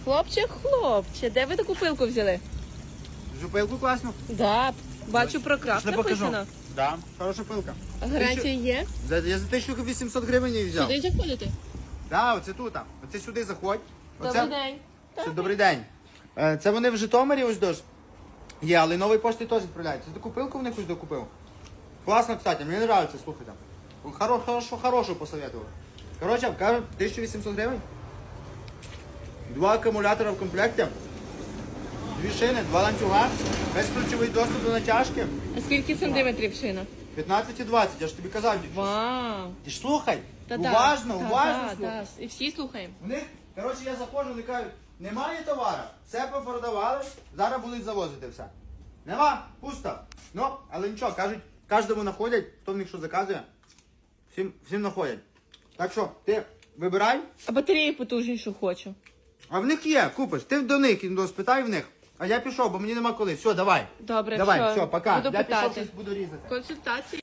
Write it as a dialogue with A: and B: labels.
A: Хлопче, де ви таку пилку взяли?
B: Жупилку класно.
A: Да, бачу про крафт
B: Пішли покажу.
A: написано.
B: Да, хороша пилка.
A: Гарантія є?
B: Я за 1800 гривень її взяв.
A: Сюди заходите?
B: Да, оце тут. Оце сюди заходь.
A: Добрий день.
B: Це добрий день. Це вони в Житомирі ось дощ. Є, але нової пошти теж відправляються. Це таку пилку в них ось докупив. Класно, кстати, мені подобається, слухайте. Хорошу посоветував. Коротше, кажуть, 1800 гривень. 2 акумулятора в комплекті. 2 шини, 2 ланцюга, безключовий доступ до натяжки.
A: А скільки сантиметрів шина?
B: 15 і 20, я ж тобі казав.
A: Вау.
B: Ти ж слухай,
A: Та-та.
B: уважно
A: Та-та,
B: слухай.
A: та. І всі слухаємо.
B: У них, коротше, я заходжу, вони кажуть, немає товару, все попродавали, зараз будуть завозити все. Нема, пусто. Ну, але нічого, кажуть, кожному находять, хто в них що заказує, всім находять. Так що, ти вибирай,
A: А батареї потужнішу хочу.
B: а в них є, купиш. Ти до них спитай в них. А я пішов, бо мені нема коли. Все, давай.
A: Добре,
B: Давай, все, пока.
A: Буду
B: Я пішов,
A: питати.
B: щось буду різати.
A: Консультації.